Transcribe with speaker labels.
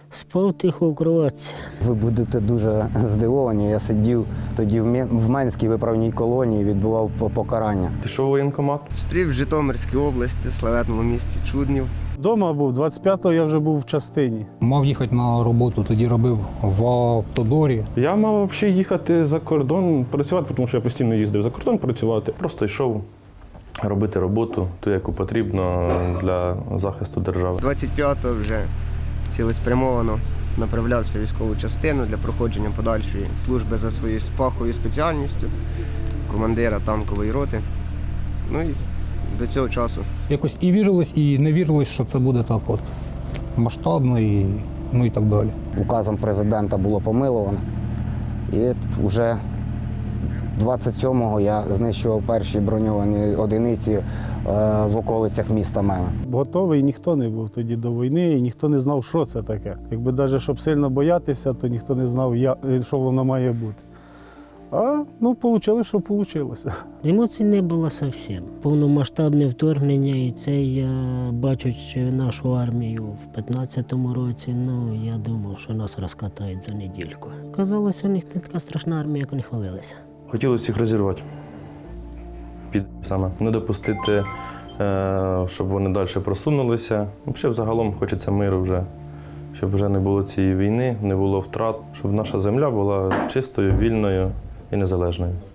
Speaker 1: Спав тихо в кроватці.
Speaker 2: Ви будете дуже здивовані. Я сидів тоді в Менській виправній колонії, відбував покарання.
Speaker 3: Пішов у воєнкомат.
Speaker 4: Стрів в Житомирській області, славетному місті Чуднів.
Speaker 5: Дома був, 25-го я вже був в частині.
Speaker 6: Мав їхати на роботу, тоді робив в автодорі.
Speaker 3: Я мав взагалі їхати за кордон працювати, тому що я постійно їздив за кордон працювати. Просто йшов робити роботу, ту, яку потрібно для захисту держави.
Speaker 4: 25-го вже цілеспрямовано направлявся в військову частину для проходження подальшої служби за своєю фаховою спеціальністю, командира танкової роти. Ну і до цього часу.
Speaker 6: Якось і вірилось, і не вірилось, що це буде так от масштабно і, ну і так далі.
Speaker 2: Указом президента було помиловано. І вже 27-го я знищував перші броньовані одиниці в околицях міста Меми.
Speaker 5: Готовий ніхто не був тоді до війни, і ніхто не знав, що це таке. Якби навіть, щоб сильно боятися, то ніхто не знав, що воно має бути. А, ну, вийшло, що вийшло.
Speaker 1: Емоцій не було зовсім. Повномасштабне вторгнення, і це я, бачучи нашу армію в 15-му році, ну, я думав, що нас розкатають за недільку. Казалося, у них не така страшна армія, як вони хвалилися.
Speaker 3: Хотілося їх розірвати. Саме. Не допустити, щоб вони далі просунулися. Взагалі, взагалом хочеться миру вже. Щоб вже не було цієї війни, не було втрат, щоб наша земля була чистою, вільною і незалежною.